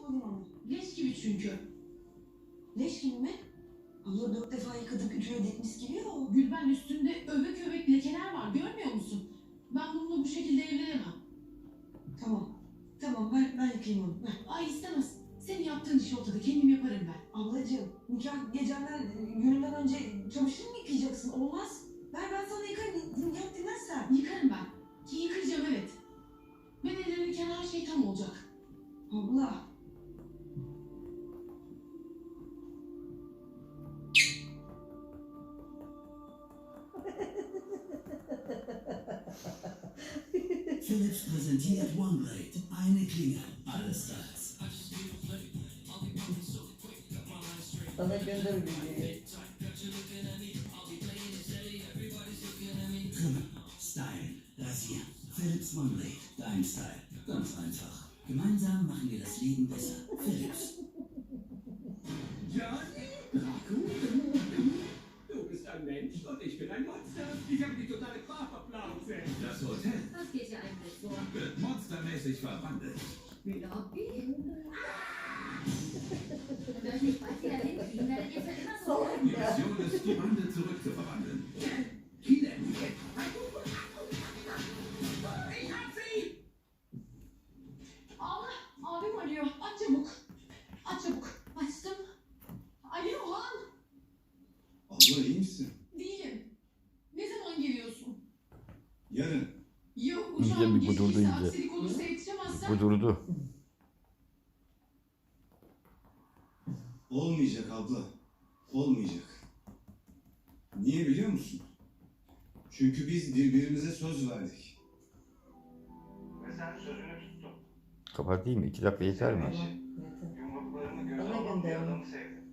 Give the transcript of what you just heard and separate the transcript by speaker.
Speaker 1: yapmalıyım ama.
Speaker 2: Leş gibi çünkü.
Speaker 1: Leş gibi mi? Abla 4 defa yıkadık, ütüye dikmiş gibi ya o.
Speaker 2: Gülben üstünde övek övek lekeler var, görmüyor musun? Ben bununla bu şekilde evlenemem.
Speaker 1: Tamam ben yıkayayım onu. Ver.
Speaker 2: Ay istemez. Senin yaptığın iş ortada, kendim yaparım ben.
Speaker 1: Ablacığım nikah gecenden gününden önce çamaşır mı yıkayacaksın? Olmaz. Ver ben sana yıkarım. Yap dinlersen.
Speaker 2: Yıkarım ben. Ki yıkayacağım evet. Ben evlenirken her şey tam olacak.
Speaker 1: Abla.
Speaker 3: Philips präsentiert OneBlade. Eine Klinge, alles Styles.
Speaker 4: Sana gönder videoyu.
Speaker 3: Trimmen, Stylen, Rasieren. Philips OneBlade, dein Style. Ganz einfach. Gemeinsam machen wir das Leben besser. Philips.
Speaker 5: Johnny? Draco? Du bist ein Mensch und ich bin ein Monster. Ich habe die totale Körperplause.
Speaker 6: Das Hotel
Speaker 7: Was geht hier eigentlich so?
Speaker 6: wird monstermäßig verwandelt.
Speaker 7: Wie Lobby? Wenn wir euch nicht bald wieder hinkriegen, werdet ihr für immer so bleiben.
Speaker 6: Die Mission ist, die Wande zurückzuverwandeln. Kilen.
Speaker 5: Ich hab sie!
Speaker 2: Allah, abim arıyor. Aç çabuk. Aç çabuk. Açtım. Alo Han.
Speaker 8: Abla iyi misin?
Speaker 2: Değilim. Ne zaman geliyorsun?
Speaker 8: Yarın.
Speaker 2: Yok
Speaker 9: İyice
Speaker 2: uçağım
Speaker 9: bir budurdu
Speaker 2: gecikirse
Speaker 9: iyice.
Speaker 2: aksilik olursa yetişemezsem.
Speaker 9: Bu durdu.
Speaker 8: Olmayacak abla. Olmayacak. Niye biliyor musun? Çünkü biz birbirimize söz verdik.
Speaker 10: Ve sen sözünü tuttun.
Speaker 9: Kapatayım mı? 2 dakika yeter mi?
Speaker 4: Tamam, yeter.
Speaker 10: Yumruklarını göze
Speaker 4: Bana
Speaker 10: alan bir
Speaker 4: gönder onu.
Speaker 10: adamı sevdin.